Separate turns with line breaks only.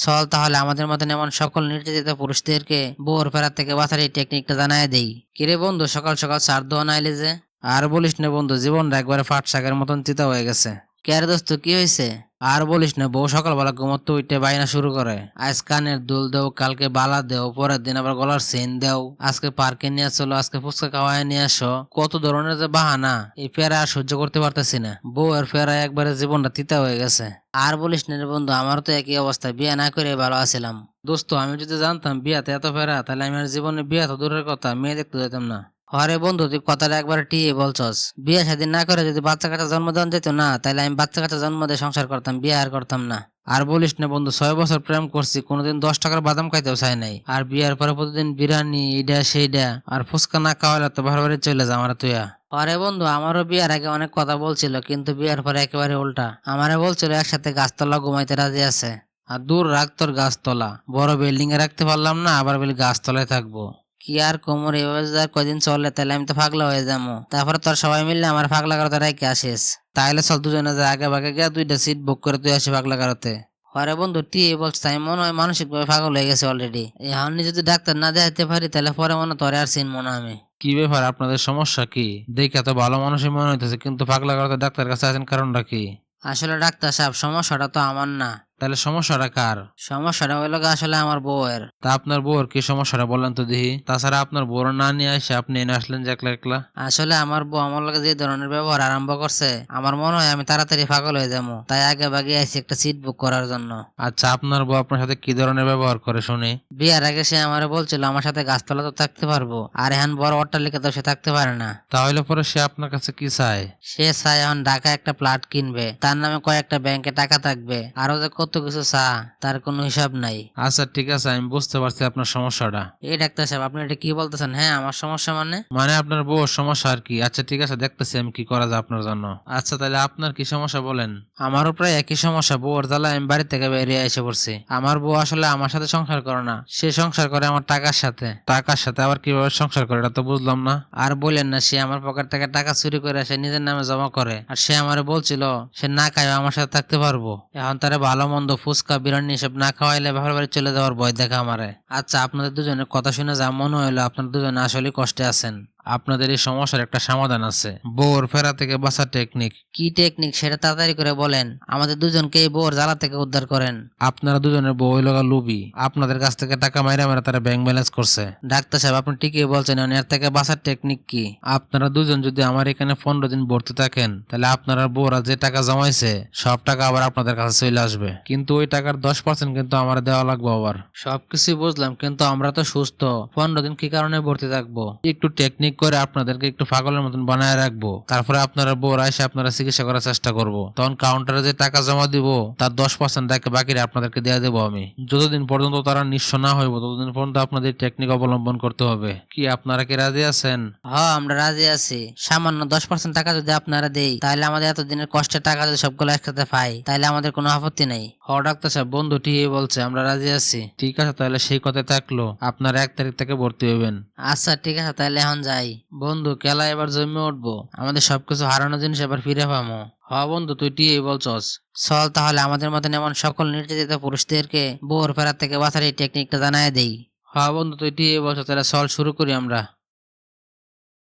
চল তাহলে আমাদের মতন এমন সকল নির্যাতিত পুরুষদেরকে বউর ফেরা থেকে বাঁচার এই টেকনিকটা জানাই দেই। কিরে বন্ধু, সকাল সকাল চার দোয়া নাইলে যে? আর বলিস না বন্ধু, জীবনটা একবারে ফাট শাকের মতন চিতা হয়ে গেছে। কে রে দোস্ত, কি হয়েছে? আর বলিস না, বউ সকালবেলা ঘুমোতে উঠে বাইনা শুরু করে, আজ কানের দুল দেও, কালকে বালা দেও, পরের দিন আবার গলার চেন দেও, আজকে পার্কে নিয়ে চলো, আজকে ফুচকা খাওয়ায় নিয়ে আসো। কত ধরনের যে বাহানা, এই ফেরা আর সহ্য করতে পারতেছি না। বউ আর ফেরা একবারে জীবনটা তিতা হয়ে গেছে। আর বলিস না রে বন্ধু, আমারও তো একই অবস্থা, বিয়ে না করে ভালো আছিলাম। দোস্ত, আমি যদি জানতাম বিয়াতে এত ফেরা, তাহলে আমি আর জীবনে বিয়া তো দূরের কথা, মেয়ে দেখতে যেতাম না। আরে বন্ধু, তুই কথাটা একবার টিয়ে বলছস। বিয়ে শাদী না করে যদি বাচ্চা কাচ্চা জন্ম দেওয়া যেত না, তাহলে আমি বাচ্চা কাচ্চা জন্ম দিয়ে সংসার করতাম, বিয়ে আর করতাম না। আর বলিস না বন্ধু, 6 বছর প্রেম করছি, কোনোদিন 10 টাকার বাদাম খাইতেও চাই নাই। আর বিয়ার পরে প্রতিদিন বিরিয়ানি, এইটা সেইটা, আর ফুচকা না খাওয়ালে তো বাড়ি চলে যা আমার তুইয়া। আরে বন্ধু, আমারও বিয়ার আগে অনেক কথা বলছিল, কিন্তু বিয়ার পরে একেবারে উল্টা। আমারে বলছিল একসাথে গাছতলা ঘুমাইতে রাজি আছে। আর দূর রাখ তোর গাছতলা, বড় বিল্ডিং এ রাখতে পারলাম না, আবার বলি গাছতলায় থাকবো। কি আর কোমর, এভাবে যদি আর কদিন চলে তাহলে আমি তো পাগলা হয়ে যাবো। তারপরে তোর সবাই মিললে আমার পাগলা গারোতে রেখে আসিস। তাইলে চল দুজনে যা, আগে ভাগে গিয়া 2টা সিট বুক করে তুই আসি পাগলা গারোতে। আরে বন্ধু, তুই বলছিস, আমি মনে হয় মানসিক ভাবে পাগল হয়ে গেছে অলরেডি। এখন যদি ডাক্তার না দেখাতে পারি, তাহলে পরে মনে তোরে আর চিনবো না আমি।
কি ব্যাপার, আপনাদের সমস্যা কি? দেখে তো ভালো মানুষই মনে হইতেছে, কিন্তু পাগলা গারদে ডাক্তার কাছে আছেন, কারণটা কি?
আসলে ডাক্তার সাহেব, সমস্যাটা তো আমার না।
তাহলে সমস্যাটা কার?
সমস্যাটা হইলো গিয়ে আসলে আমার বউয়ের।
তা আপনার বউর কি সমস্যাটা বলেন তো দেখি। তাছাড়া আপনার বউর না নিয়ে আসে আপনি এনে আসলেন যে একলা একলা।
আসলে আমার বউ আমার লগে যে ধরনের ব্যবহার আরম্ভ করছে, আমার মনে হয় আমি তাড়াতাড়ি পাগল হয়ে যাবো। তাই আগে ভাগে আইছি একটা সিট বুক করার জন্য।
আচ্ছা, আপনার বউ আপনার সাথে কি ধরনের ব্যবহার করে শুনি।
বিয়ার আগে সে আমারে বলছিল আমার সাথে গাছতলা তো থাকতে পারবো, আর এখন বড় অট্টালিকা তো সে থাকতে পারে না।
তাহলে পরে সে আপনার কাছে কি চায়?
সে চায় এখন ঢাকায় একটা প্লট কিনবে, তার নামে কয়েকটা ব্যাংকে টাকা থাকবে, আরো যে কত কিছু তার কোনো হিসাব নাই।
আচ্ছা ঠিক আছে, আমি বুঝতে পারছি আপনার সমস্যাটা।
এই ডাক্তার সাহেব, আপনি এটা কি বলতেছেন? হ্যাঁ, আমার সমস্যা মানে?
মানে আপনার বউর সমস্যা আর কি। আচ্ছা ঠিক আছে, দেখতেছি আমি কি করা যায় আপনার জন্য। আচ্ছা তাহলে আপনার কি সমস্যা বলেন।
আমারও প্রায় একই সমস্যা, বউর জ্বালায় আমি বাড়ি থেকে বেরিয়ে এসে পড়ছি। আমার বউ আসলে আমার সাথে সংসার করে না, সে সংসার করে আমার টাকার সাথে।
টাকার সাথে আবার কিভাবে সংসার করে, এটা তো বুঝলাম না।
আর বললেন না, সে আমার পকেট থেকে টাকা চুরি করে সে নিজের নামে জমা করে। আর সে আমারে বলছিল সে না খায় আমার সাথে থাকতে পারবো। এখন তারা ভালো মন্দ ফুচকা বিরিয়ানি সব না খাওয়াইলে বাবার বাড়ি চলে যাওয়ার ভয় দেখা আমারে। আচ্ছা, আপনাদের দুজনের কথা শুনে যা মনে হইলো আপনারা দুজনে আসলে কষ্টে আছেন।
আপনাদের এই সমস্যার একটা সমাধান আছে, বউর ফেরা থেকে বাঁচার টেকনিক।
কি টেকনিক সেটা তাড়াতাড়ি করে বলেন, আমাদের দুজনকে এই বউর জ্বালা থেকে উদ্ধার করেন।
আপনারা দুজনের বউ লগা লুবি, আপনাদের কাছ থেকে টাকা মাইরা মারা তারা ব্যাংক ব্যালেন্স করছে।
ডাক্তার সাহেব, আপনি ঠিকই বলছেন, এর থেকে বাঁচার টেকনিক কি?
আপনারা দুজন যদি আমার এখানে 15 দিন ভর্তি থাকেন, তাহলে আপনারা বউরা যে টাকা জমাইছে সব টাকা আবার আপনাদের কাছে চলে আসবে, কিন্তু ওই টাকার 10% কিন্তু আমার দেওয়া লাগবে আবার।
সবকিছুই বুঝলাম, কিন্তু আমরা তো সুস্থ, 15 দিন কি কারণে ভর্তি থাকবো?
একটু টেকনিক করে আপনাদেরকে একটু পাগলের মতন বানায় রাখবো, তারপরে আপনারা বউরা এসে আপনারা চিকিৎসা করার চেষ্টা করবো। তখন কাউন্টারে যে টাকা জমা দিব তার 10% বাকি আপনাদেরকে দিয়ে দেবো আমি। যতদিন পর্যন্ত তারা নিঃস্ব না হইব ততদিন পর্যন্ত আপনাদের টেকনিক অবলম্বন করতে হবে। কি আপনারা কি রাজি আছেন?
হ্যাঁ, আমরা রাজি আছি। সামান্য 10% টাকা যদি আপনারা দেই, তাহলে আমাদের এতদিনের কষ্টের টাকা যদি সবগুলো একসাথে পাই, তাহলে আমাদের কোনো আপত্তি নেই।
হ ডাক্তার সাহেব, বন্ধু ঠিকই বলছে, আমরা রাজি আছি। ঠিক আছে, তাহলে সেই কথাই থাকলো, আপনার 1 তারিখ থেকে ভর্তি হইবেন।
আচ্ছা ঠিক আছে, তাহলে এখন যাই। বন্ধু, খেলা এবার জমে উঠবো, আমাদের সবকিছু হারানো জিনিস এবার ফিরে পাবো।
হ্যাঁ বন্ধু, তুই ঠিকই বলছস।
চল তাহলে আমাদের মতন এমন সকল নির্যাতিত পুরুষদেরকে বউর ফেরার থেকে বাঁচার এই টেকনিকটা জানাই দেই।
হ্যাঁ বন্ধু, তুই ঠিকই বলছস, তাহলে চল শুরু করি আমরা।